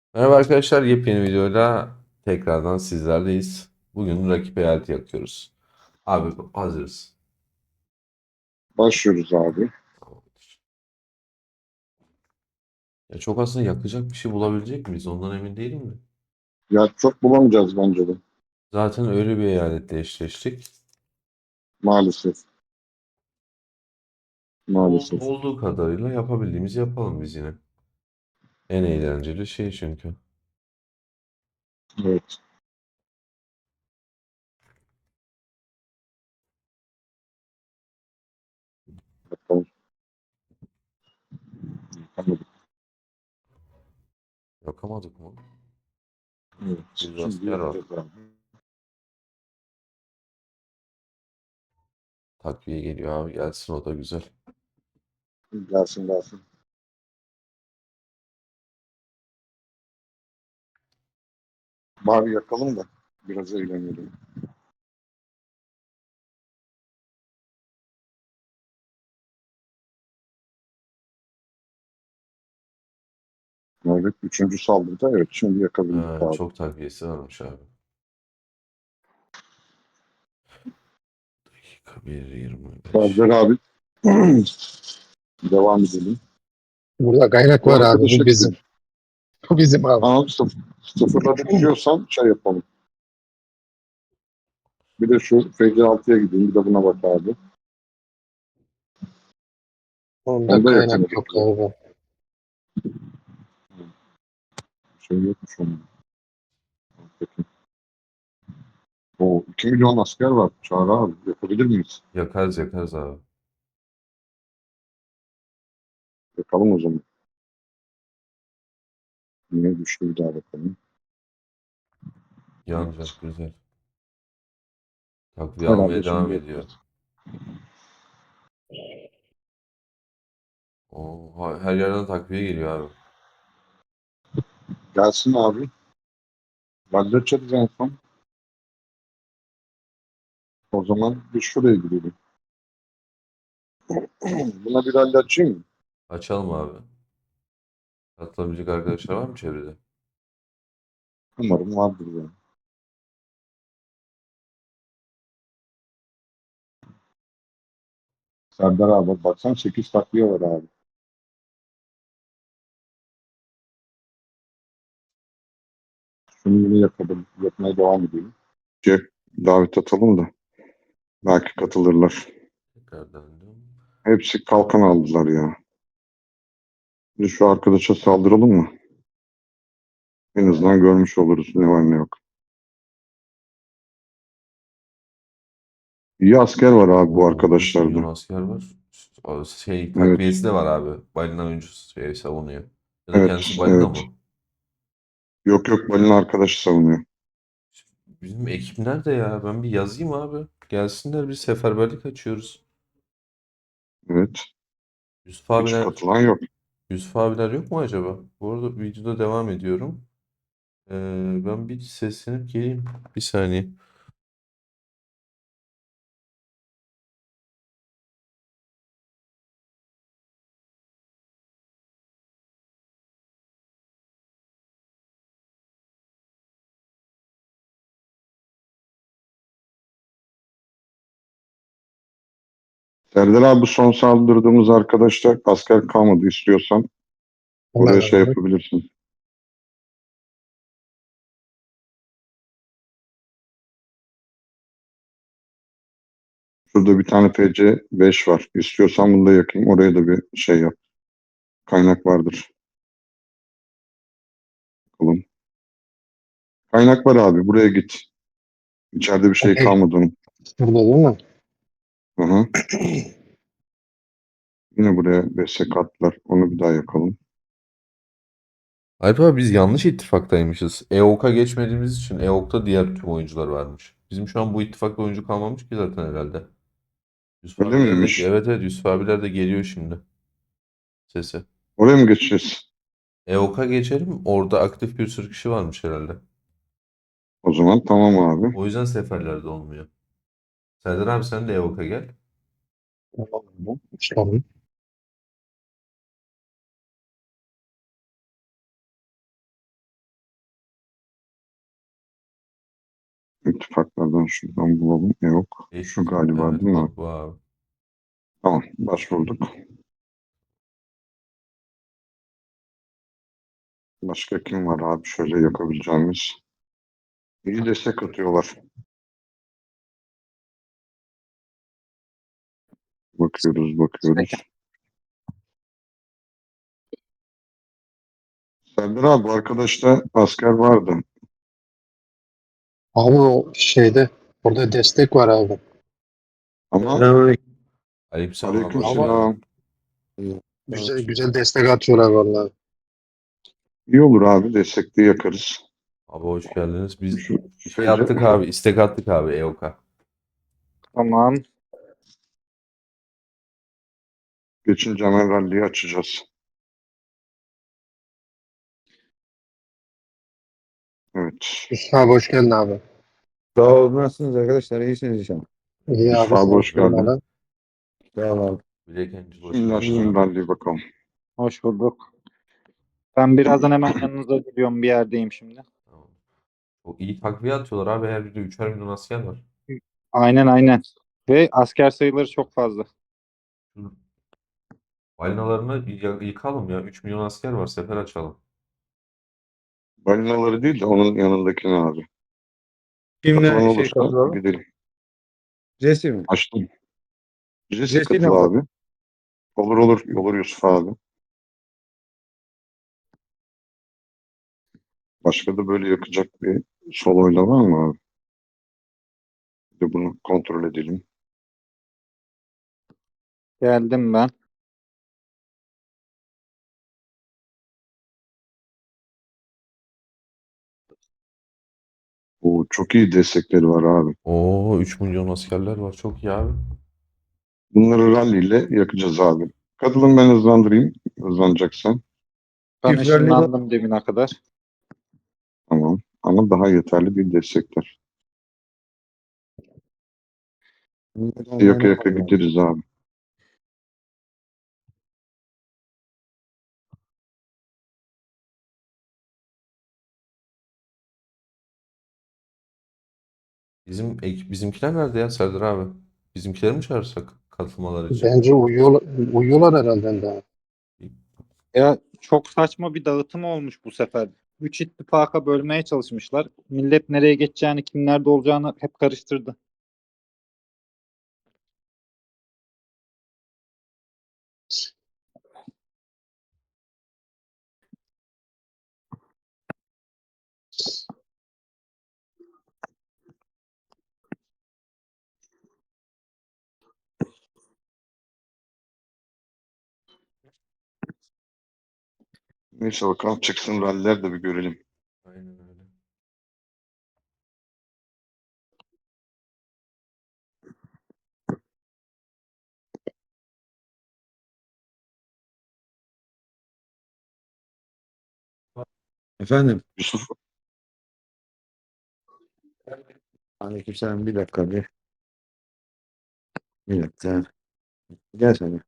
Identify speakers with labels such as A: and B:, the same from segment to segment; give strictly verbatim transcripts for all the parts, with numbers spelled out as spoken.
A: Merhaba arkadaşlar, yepyeni videoyla tekrardan sizlerleyiz. Bugün rakip eyaleti yakıyoruz. Abi hazırız.
B: Başlıyoruz abi.
A: Tamamdır. Ya çok aslında yakacak bir şey bulabilecek miyiz? Ondan emin değilim de.
B: Ya çok bulamayacağız bence de.
A: Zaten öyle bir eyaletle eşleştik.
B: Maalesef.
A: Ya ol-
B: Maalesef.
A: olduğu kadarıyla yapabildiğimizi yapalım biz yine. En eğlenceli şey çünkü.
B: Evet. Bakalım. Anladık.
A: Yakamadık mı?
B: Evet.
A: Yüz
B: Şimdi
A: asker var.
B: yapacağız abi.
A: Takviye geliyor abi, gelsin o da güzel.
B: Gelsin gelsin. Bari yakalım da biraz eğlenelim. Evet. Üçüncü saldırıda evet. Şimdi yakabildik
A: Ha,
B: abi.
A: çok takviyesi varmış abi. Dakika bir yirmi beş.
B: Serdar abi. Devam edelim.
C: Burada kaynak
B: Bu
C: var abi.
B: arkadaşa
C: Bu bizim.
B: gidelim.
C: Bu bizim abi.
B: Anam sıf sıfırladık diyorsan şey yapalım. Bir de şu F C altıya gideyim. Bir de buna bak abi.
C: Onda
B: Onu da
C: kaynak
B: yakaladık
C: yok
B: bile.
C: abi.
B: Şey yokmuş onun. Peki. O iki milyon asker var. Çağrı abi. Yapabilir miyiz?
A: Yakarız yakarız abi.
B: Bakalım o zaman. Yine düştü bir daha bakalım. Evet.
A: Yanacak güzel. Takviye
B: Herhalde
A: almaya
B: şimdi
A: devam ediyor.
B: yaparız.
A: Oo, ha- her yerden takviye geliyor abi.
B: Gelsin abi. Halledeceğiz en son. O zaman bir şuraya gidelim. Buna bir halledeceğim mi?
A: Açalım abi. Katılabilecek arkadaşlar var mı çevrede?
B: Umarım vardır yani. Serdar abi baksan sekiz takviye var abi. Şunu yine yapalım. Yapmaya devam edelim. Şey, davet atalım da belki katılırlar.
A: Tekrar döndüm.
B: Hepsi kalkan aldılar ya. Bir şu arkadaşa saldıralım mı? En azından görmüş oluruz ne var ne yok. İyi asker var abi bu
A: Oo, üç milyon
B: arkadaşlarda.
A: asker var. O şey
B: Evet,
A: takviyesi de var abi. Balina oyuncusu şey savunuyor. Ya da
B: evet,
A: kendisi balina
B: evet.
A: mı?
B: Yok yok balina arkadaşı savunuyor.
A: Bizim ekip nerede ya? Ben bir yazayım abi. Gelsinler, bir seferberlik açıyoruz.
B: Evet.
A: Yusuf
B: Hiç
A: abiler,
B: katılan yok.
A: Yusuf abiler yok mu acaba? Bu arada videoda devam ediyorum. Ee, ben bir seslenip geleyim. Bir saniye.
B: Serdar abi bu son saldırdığımız arkadaşlar asker kalmadı istiyorsan
C: Hemen
B: oraya şey
C: abi.
B: yapabilirsin. Şurada bir tane F C beş var. İstiyorsan bunu da yakayım. Oraya da bir şey yap. Kaynak vardır. Bakalım. Kaynak var abi. Buraya git. İçeride bir şey
C: Okey.
B: kalmadı onun.
C: Burada değil mi?
B: Aha. Yine buraya destek attılar. Onu bir daha yakalım.
A: Alp abi, biz yanlış ittifaktaymışız. E O K'a geçmediğimiz için E O K'ta diğer tüm oyuncular varmış. Bizim şu an bu ittifakta oyuncu kalmamış ki zaten herhalde. Yusuf
B: Öyle
A: abiler de,
B: miymiş?
A: evet evet, Yusuf abiler de geliyor şimdi sesi.
B: Oraya mı geçeceğiz?
A: E O K'a geçelim. Orada aktif bir sürü kişi varmış herhalde.
B: O zaman tamam abi.
A: O yüzden seferlerde olmuyor. Serdar abi, sen de E O K'a gel.
C: Tamam abi. Tamam.
B: İttifaklardan şuradan bulalım. E, yok. Şu
A: Eski.
B: galiba
A: Evet
B: değil mi abi?
A: bak bu abi.
B: Tamam. Başvurduk. Başka kim var abi şöyle yakabileceğimiz? İyi destek atıyorlar. Bakıyoruz bakıyoruz. Serdar abi bu arkadaşta asker vardı.
C: Abi o şeyde orada destek var abi.
B: Ama
D: Selamünaleyküm.
A: Aleykümselam abi hoş
C: Ama
A: geldin.
B: aleykümselam.
C: güzel güzel destek atıyorlar vallahi.
B: İyi olur abi destekli yakarız.
A: Abi hoş geldiniz. Biz
B: Şu
A: şey
B: sence
A: attık abi. İstek attık abi E O K'a.
E: Tamam.
B: geçince hemen rally'yi açacağız. Evet.
C: Yusuf abi hoş geldin abi.
D: Sağ olun. Nasılsınız arkadaşlar? İyisiniz inşallah.
C: İyi
B: Yusuf
C: abi
B: abi
C: sen
B: hoş geldin.
C: sormalı.
D: Sağ olun.
A: Bilek Angel hoş
B: Şimdi
A: geldin
B: açtım
A: abi.
B: rally'yi bakalım.
E: Hoş bulduk. Ben birazdan hemen yanınıza gidiyorum. Bir yerdeyim şimdi.
A: Tamam. O iyi takviye atıyorlar abi. Her birde üçer milyon asker var.
E: Aynen aynen. Ve asker sayıları çok fazla.
A: Şu balinalarını y- yıkalım ya. üç milyon asker var. Sefer açalım.
B: Balinaları değil de onun yanındakini abi.
D: Kimle
B: Katılan
D: şey
B: olursa
D: katıyor?
B: gidelim.
D: Jesse mi?
B: Açtım. Jesse
D: Jesse'yle
B: katıl
D: mi
B: abi.
D: katıyor?
B: Olur olur. Olur Yusuf abi. Başka da böyle yakacak bir soloyla var mı abi? Bir de bunu kontrol edelim.
E: Geldim ben.
B: Oo, çok iyi destekleri var abi.
A: Oo üç milyon askerler var. Çok iyi abi.
B: Bunları rally ile yakacağız abi. Katılın ben hızlandırayım. Hızlanacaksan.
E: Ben
D: Çift rally
E: ışınlandım demine kadar.
B: Tamam. Ama daha yeterli bir destekler. Yaka yaka gideriz abi.
A: Bizim ek- bizimkiler nerede ya Serdar abi? Bizimkileri mi çağırsak katılmaları için?
C: Bence uyuyorlar, uyuyorlar herhalde daha.
E: Ya çok saçma bir dağıtım olmuş bu sefer. Üç ittifaka bölmeye çalışmışlar. Millet nereye geçeceğini, kim nerede olacağını hep karıştırdı.
B: Neyse bakalım çıksın ralliler de bir görelim.
A: Aynen öyle.
D: Efendim?
B: Yusuf
D: Aleykümselam. Bir dakika bir. Bir dakika. Gel sen.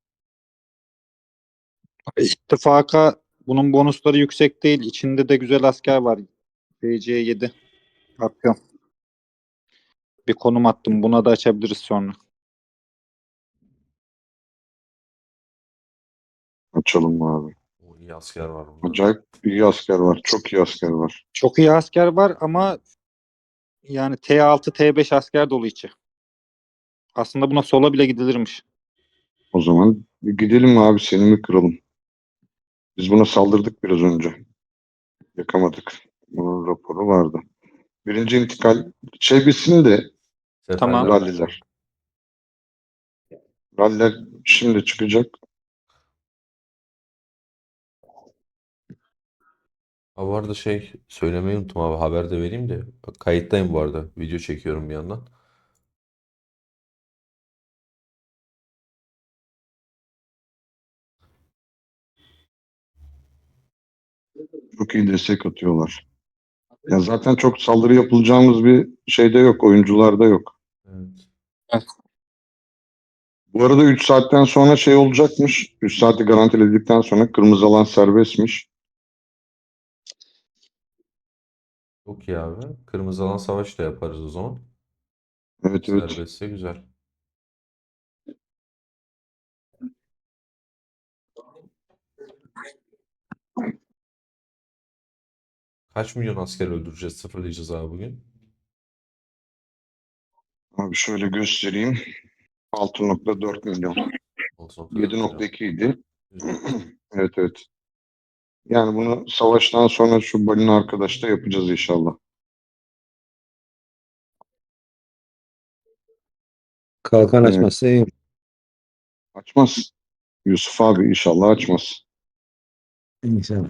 E: İttifaka bunun bonusları yüksek değil. İçinde de güzel asker var. B C yedi. Atıyorum. Bir konum attım. Buna da açabiliriz sonra.
B: açalım mı abi?
A: O iyi asker var bunda.
B: Acayip iyi asker var. Çok iyi asker var.
E: Çok iyi asker var ama yani T altı T beş asker dolu içi. Aslında buna sola bile gidilirmiş.
B: O zaman bir gidelim mi abi seni mi kıralım? Biz buna saldırdık biraz önce. Yakamadık. Bunun raporu vardı. Birinci intikal şey bitsin de
A: Seferler
E: Tamam.
A: başladı.
B: ralliler. Ralliler şimdi çıkacak.
A: Ha bu arada şey söylemeyi unuttum abi. Haber de vereyim de. Bak, kayıttayım bu arada. Video çekiyorum bir yandan.
B: Çok iyi destek atıyorlar. Ya zaten çok saldırı yapılacağımız bir şeyde yok. Oyuncularda yok.
A: Evet.
B: Bu arada üç saatten sonra şey olacakmış. üç saati garantiledikten sonra kırmızı alan serbestmiş.
A: Çok iyi abi. Kırmızı alan savaşı da yaparız o zaman.
B: Evet evet.
A: Serbestse güzel. Kaç milyon asker öldüreceğiz, sıfırlayacağız abi bugün?
B: Abi şöyle göstereyim. altı nokta dört milyon.
A: altı nokta dört milyon.
B: yedi nokta iki idi.
A: Güzel.
B: Evet evet. Yani bunu savaştan sonra şu balina arkadaşta yapacağız inşallah.
D: Kalkan
B: Evet.
D: açmazsa iyi.
B: Açmaz. Yusuf abi inşallah açmaz.
D: İnşallah.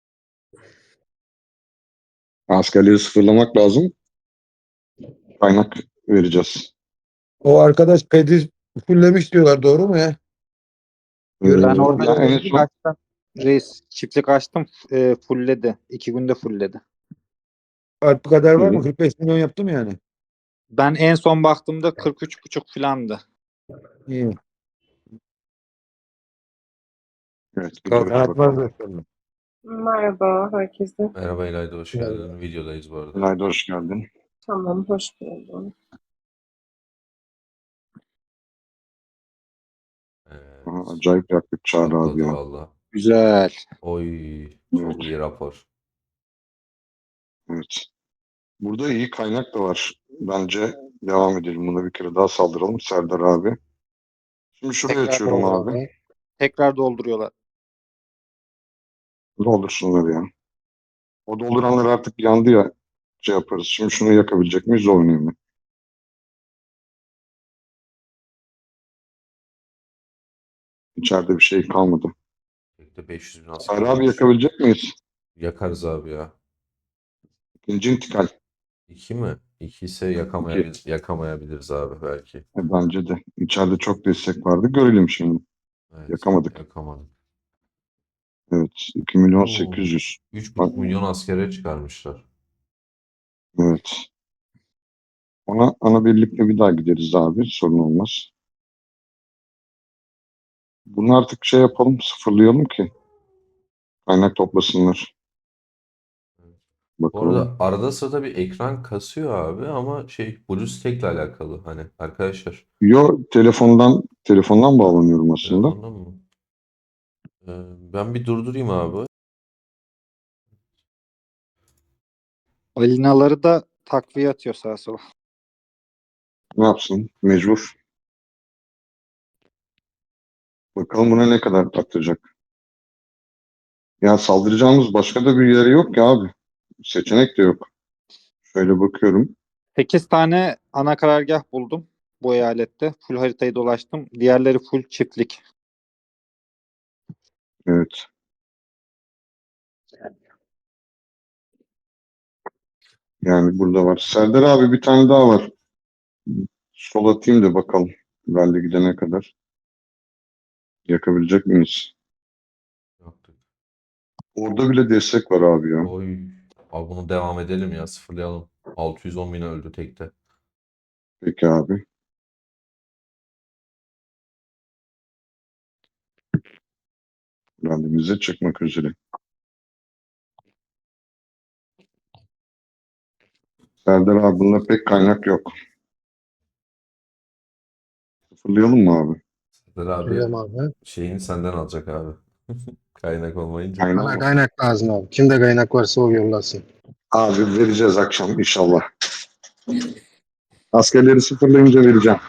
B: Askerleri sıfırlamak lazım. Kaynak vereceğiz.
D: O arkadaş pedi fullemiş diyorlar, doğru mu ya?
B: Ee,
E: Ben
D: Görüntü
E: orada
B: ya en
E: çiftlik
B: son
E: açtım. Reis çiftlik açtım. E, fullledi. İki günde fullledi.
D: Alp kadar var mı?
B: iyi.
D: kırk beş milyon yaptım yani.
E: Ben en son baktığımda kırk üç buçuk filandı.
D: İyi.
B: Evet
D: Kalkan
B: gidiyoruz bakalım.
D: atmazlar sonra.
F: Merhaba herkese.
A: Merhaba İlayda, hoş
C: Yani
A: geldin. Videodayız bu arada.
B: Gülayda hoş geldin.
F: Tamam, hoş buldum.
B: Aha,
A: Evet.
B: acayip yaktık Çağrı abi
A: Patladı
B: ya.
A: valla.
E: Güzel.
A: Oy.
B: Evet,
A: Çok iyi rapor.
B: evet. Burada iyi kaynak da var. Bence devam edelim. Buna bir kere daha saldıralım Serdar abi. Şimdi şurayı
E: Tekrar
B: açıyorum
C: olur
B: abi.
C: abi.
E: tekrar dolduruyorlar.
B: Doldursunlar ya. O dolduranlar artık yandı ya. Şey yaparız. Şimdi şunu yakabilecek miyiz? O önemli. İçeride bir şey kalmadı.
A: Tekte beş yüz bin asker
B: Serdar abi
A: olmuş.
B: yakabilecek miyiz?
A: Yakarız abi ya.
B: İkinci intikal.
A: İki mi? İki ise
B: İki.
A: yakamayabil yakamayabiliriz abi belki.
B: E, bence de. İçeride çok destek vardı. Görelim şimdi.
A: Evet.
B: Yakamadık.
A: Yakamadık.
B: Evet. iki milyon
A: Oo.
B: sekiz yüz.
A: Üç
B: Bak,
A: buçuk milyon askere çıkarmışlar.
B: evet. Ona ana birlikle bir daha gideriz abi. Sorun olmaz. Bunu artık şey yapalım. Sıfırlayalım ki. Kaynak toplasınlar.
A: Bu
B: Bakalım.
A: arada arada sırada bir ekran kasıyor abi ama şey BlueStack'le alakalı hani arkadaşlar.
B: Yo telefondan telefondan bağlanıyorum aslında.
A: Telefondan mı? Ee, ben bir durdurayım abi.
E: Balinaları da takviye atıyor sağa sola.
B: Ne yapsın? Mecbur. Bakalım buna ne kadar atacak. Ya saldıracağımız başka da bir yeri yok ya abi. Seçenek de yok. Şöyle bakıyorum.
E: sekiz tane ana karargah buldum bu eyalette. Full haritayı dolaştım. Diğerleri full çiftlik.
B: Evet. Yani burada var. Serdar abi bir tane daha var. Sol atayım da bakalım. Ben de gidene kadar. Yakabilecek miyiz?
A: Yaptık.
B: Orada bile destek var abi ya.
A: Oy. Abi bunu devam edelim ya, sıfırlayalım. altı yüz on bin öldü tekte.
B: Peki abi. Randimize çıkmak üzere. Serdar abi bunda pek kaynak yok. Sıfırlayalım mı abi?
A: Serdar abi
C: Söyleyeyim abi.
A: şeyini senden alacak abi. Kaynak olmayınca.
B: Kaynak
C: Bana
B: mı?
C: kaynak lazım abi. Kimde kaynak varsa o yollasın.
B: Abi vereceğiz akşam inşallah. Askerleri sıfırlayınca vereceğim.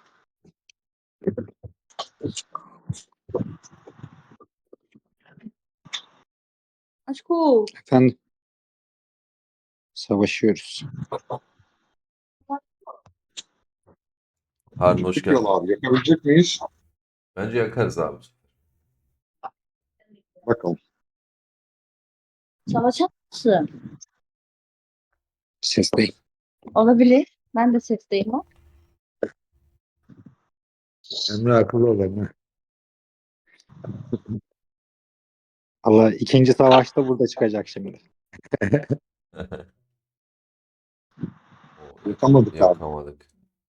F: Aşkım.
E: Efendim savaşıyoruz.
A: Harun hoş
B: Çıktık yola
A: geldin.
B: abi. Yakabilecek miyiz?
A: Bence yakarız abi.
B: Bakalım.
G: Savaşa mısın?
E: Sesteyim.
G: Olabilir. Ben de sesteyim o.
D: Emre akıllı ol Emre.
E: Allah ikinci savaşta burada çıkacak şimdi.
A: Oo,
B: Yakamadık abi.
A: yakamadık.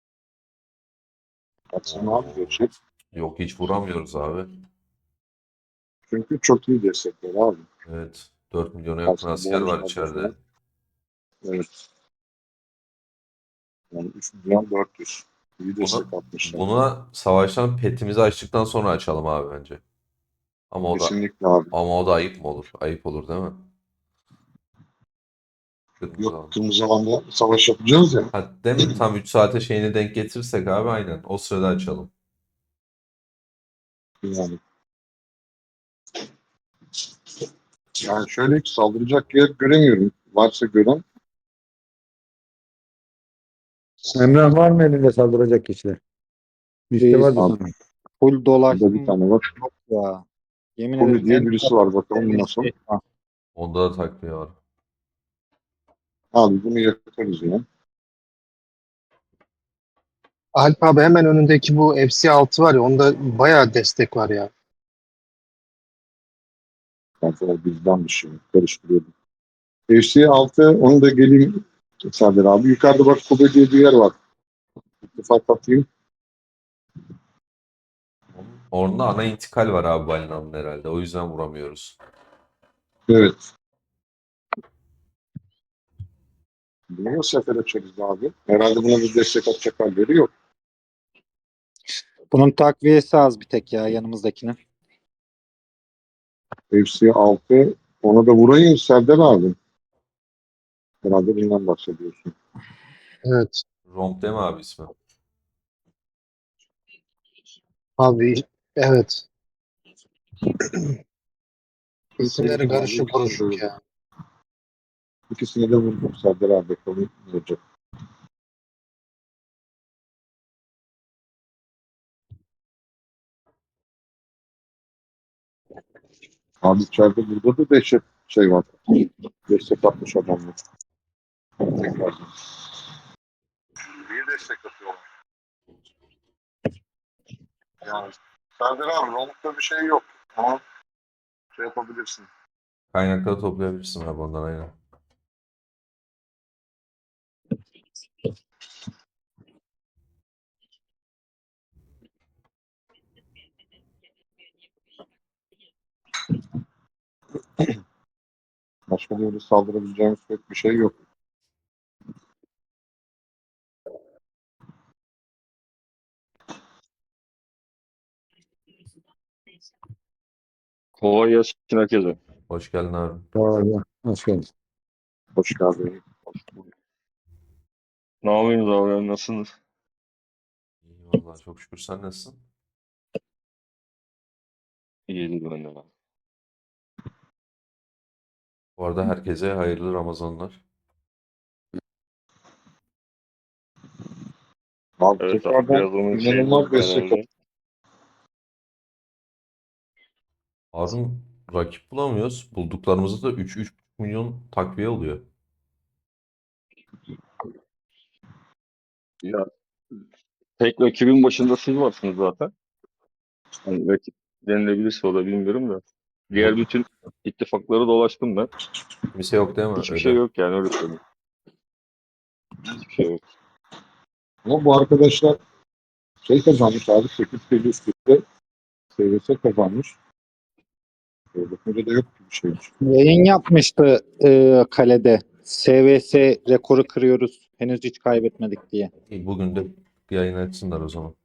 B: Baksana abi
A: Oo.
B: geçecek.
A: Yok, hiç vuramıyoruz abi.
B: Çünkü çok iyi destekler abi.
A: Evet. dört milyona yakın
B: Aslında
A: asker var
B: bonuslar da
A: içeride.
B: falan. Evet. Yani üç milyon dört yüz. İyi destek
A: Bunu,
B: atmışlar.
A: buna savaştan petimizi açtıktan sonra açalım abi bence. Ama o da
B: Kesinlikle abi.
A: ama o da ayıp mı olur? Ayıp olur değil mi? Kırmızı
B: Yok
A: alan.
B: kırmızı alanda savaş yapacağız ya.
A: Ha, değil mi? Tam üç saate şeyini denk getirirsek abi aynen. O sırada açalım.
B: Yani. Yani şöyle ki saldıracak yer göremiyorum. Varsa gören
D: Emrah var mı elinde saldıracak kişiler? Liste
E: Reis,
D: vardı
B: abi.
D: sanırım.
E: full
B: Burada bir
E: dolaştım
B: tane var.
E: ya. Yemin
B: Kobe
E: ederim
B: diye
E: en
B: birisi var. Bakalım nasıl.
E: şey var.
A: Onda da takviye var.
B: Abi bunu yakarız ya.
C: Alp abi hemen önündeki bu F C altı var ya onda bayağı destek var ya.
B: Kankalar bizden bir şey. Karıştırıyordum. F C altı onu da geleyim Serdar abi. Yukarıda bak Kobe diye bir yer var. İttifak atayım.
A: Onun- Orada ana intikal var abi balinanın herhalde. O yüzden vuramıyoruz.
B: Evet. Bunu nasıl sefer açarız abi? Herhalde buna bir destek atacak halleri yok.
E: Bunun takviyesi az bir tek ya yanımızdakinin.
B: F C altı ona da vurayım Serdar abi. Herhalde bundan bahsediyorsun.
C: Evet.
A: Romp değil mi abi ismi?
C: Abi evet. İsimleri
B: Vurdum abi,
C: karışık
B: ikisini de
C: kuruşuk
B: vurdum.
C: ya.
B: İkisini de vurdum Serdar abi. Bakalım ne olacak. Abi içeride burada da dehşet şey var. Destek atmış adamlar. Tekrar. İyi destek atıyorlar. Yani Serdar abi Romuk'ta bir şey yok. Ama şey yapabilirsin.
A: Kaynakları toplayabilirsin abi ondan aynen.
B: Başka böyle saldırabileceğimiz pek bir şey yok.
H: Kolay gelsin herkese.
A: Hoş geldin abi.
D: Doğru. Hoş geldin.
B: Hoş geldin.
H: Ne yapıyorsunuz abi? Nasılsınız?
A: İyi vallahi çok şükür sen nasılsın?
H: İyidir ben de.
A: Bu arada herkese hayırlı Ramazanlar.
B: Abi
H: Evet abi
B: tekrardan
H: biraz onun şey
B: inanılmaz
H: bozuk
B: destek atıyor.
H: herhalde.
A: Harun rakip bulamıyoruz. Bulduklarımızda da üç üç milyon takviye oluyor.
H: Ya tek rakibin başında siz varsınız zaten. Hani rakip denilebilirse o da bilmiyorum da. Diğer
A: Bu
H: bütün ittifakları dolaştım ben.
A: kimse yok değil mi?
H: Hiçbir şey
A: Öyle.
H: yok yani öyle söyleyeyim. Hiçbir şey yok.
B: Ama bu arkadaşlar şey kazanmış abi. sekiz seviye üstte S V S kazanmış. Böyle bakınca da yok gibi bir şeymiş.
E: Yayın yapmıştı e, kalede. S V S rekoru kırıyoruz. Henüz hiç kaybetmedik diye.
A: İyi, bugün de bir yayın açsınlar o zaman.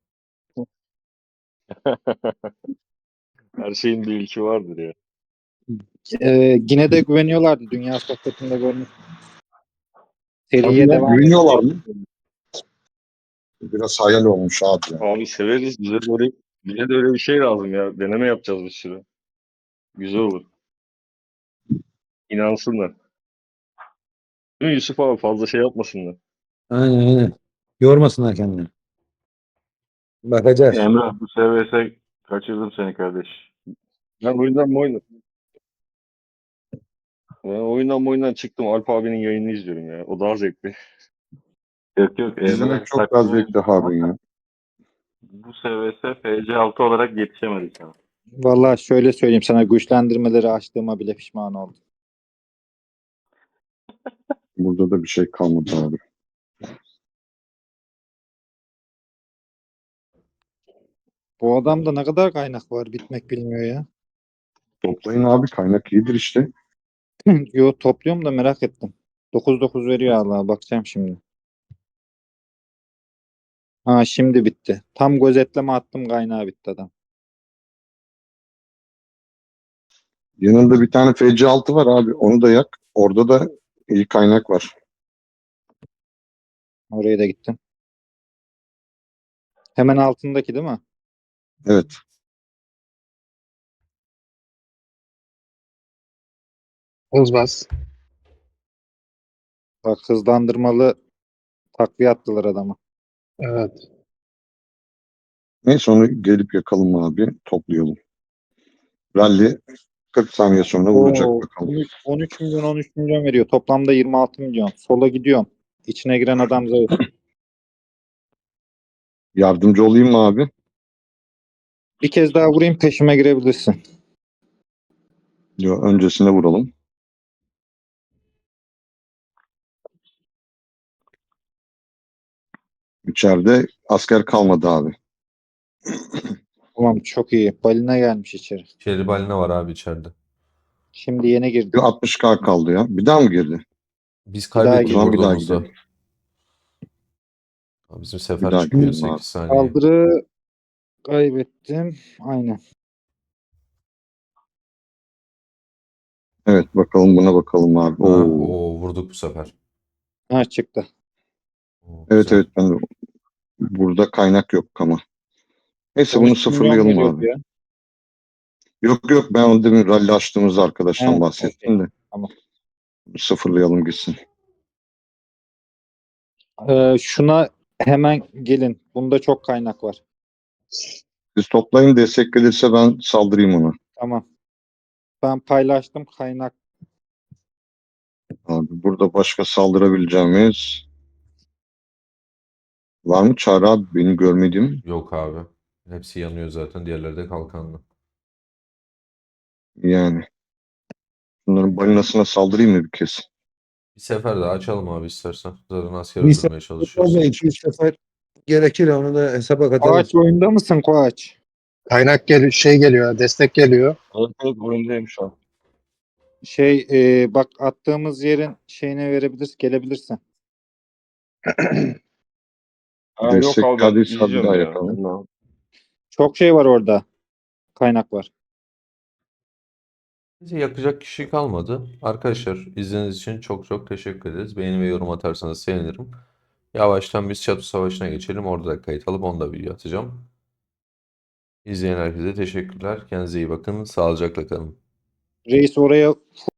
H: Her şeyin bir ilki vardır ya.
E: E, yine de güveniyorlardı. Dünya sohbetinde görmüş.
B: Tabii
E: Seriye
B: ya
E: devam
B: güveniyorlar
E: edecek.
B: mı? Biraz hayal olmuş abi ya.
H: Abi severiz. Bize de öyle, bize de öyle bir şey lazım ya. Deneme yapacağız bir sürü. Güzel olur. İnansınlar. Değil mi Yusuf abi fazla şey yapmasınlar.
D: Aynen aynen. Yormasınlar kendini. Bakacağız.
I: Emrah bu S V S kaçırdım seni kardeş.
H: Ben oyundan mı oyundan? Ben oyundan mı oyundan çıktım. Alp abinin yayınını izliyorum ya. O daha zevkli.
I: Yok yok
B: İzlemek
I: Emrah'ın
B: çok daha
I: takımı
B: zevkli Harun ya.
I: bu S V S F C altı olarak yetişemedi sana.
E: Vallahi şöyle söyleyeyim sana güçlendirmeleri açtığıma bile pişman oldum.
B: Burada da bir şey kalmadı abi.
E: Bu adamda ne kadar kaynak var bitmek bilmiyor ya.
B: Toplayın abi kaynak iyidir işte.
E: Yo topluyorum da merak ettim. dokuz dokuz veriyor Allah. Bakacağım şimdi. Ha şimdi bitti. Tam gözetleme attım, kaynağı bitti adam.
B: Yanında bir tane F C altı var abi. Onu da yak. Orada da iyi kaynak var.
E: Oraya da gittim. Hemen altındaki değil mi?
B: Evet.
C: Hız bas.
E: Bak hızlandırmalı takviye attılar adamı.
C: Evet.
B: Neyse onu gelip yakalım abi. Toplayalım. Rally kırk saniye sonra vuracak
E: Oo,
B: bakalım.
E: on üç on üç milyon on üç milyon veriyor. Toplamda yirmi altı milyon. Sola gidiyorum. İçine giren adam zayıf.
B: Yardımcı olayım mı abi?
E: Bir kez daha vurayım, peşime girebilirsin.
B: Yo, öncesine vuralım. İçeride asker kalmadı abi.
E: Tamam, çok iyi. Balina gelmiş içeri.
A: Şeri balina var abi içeride.
E: Şimdi yeni girdi.
B: Bir altmış K kaldı ya. Bir daha mı girdi?
A: Biz
E: daha
A: kaybettik
B: O zaman bir daha
A: vurduğumuzda.
B: gidelim.
A: Abi Bizim
B: Bir
A: sefer
B: daha
A: çıkıyor
B: gidelim abi.
A: sekiz saniye.
E: Saldırı kaybettim. Aynen.
B: Evet bakalım buna bakalım abi.
A: Ha,
B: Oo.
A: o vurduk bu sefer.
E: Ha çıktı.
A: Oo,
B: Evet
A: güzel.
B: evet ben de burada kaynak yok ama. Neyse
E: on
B: bunu
E: üç milyon
B: sıfırlayalım
E: geliyordu
B: abi.
E: ya.
B: Yok yok ben onu demin rally açtığımızda arkadaştan
E: He,
B: bahsettim de.
E: Tamam.
B: Sıfırlayalım gitsin.
E: Ee, şuna hemen gelin. Bunda çok kaynak var.
B: Siz toplayın destek gelirse ben saldırayım ona.
E: Tamam. Ben paylaştım kaynak.
B: Abi burada başka saldırabileceğimiz var mı Çağrı abi benim görmediğim?
A: Yok abi. Hepsi yanıyor zaten. Diğerleri de kalkanlı.
B: Yani. Bunların balinasına saldırayım mı bir kez?
A: Bir sefer daha açalım abi istersen. Zaten asker
D: Bir
A: öldürmeye
D: sefer
A: çalışıyoruz.
D: olmuyor. iki üç sefer gerekir, onu da hesaba katalım.
E: Koğaç oyunda mısın Koğaç?
C: Kaynak gel şey geliyor, destek geliyor.
H: Evet evet oyundayım şu an.
E: Şey e, bak attığımız yerin şeyine verebilirsin, gelebilirsin.
H: Ha, yok
B: Destek
H: abi ben
B: geldiyse bir
H: izliyorum
B: daha
H: ya.
B: yakalım.
H: Ben de-
E: Çok şey var orada. Kaynak var.
A: Bize yakacak kişi kalmadı. Arkadaşlar izlediğiniz için çok çok teşekkür ederiz. Beğeni ve yorum atarsanız sevinirim. Yavaştan biz Çatı Savaşı'na geçelim. Orada da kayıt alıp onu da video atacağım. İzleyen herkese teşekkürler. Kendinize iyi bakın. Sağlıcakla kalın.
E: Reis oraya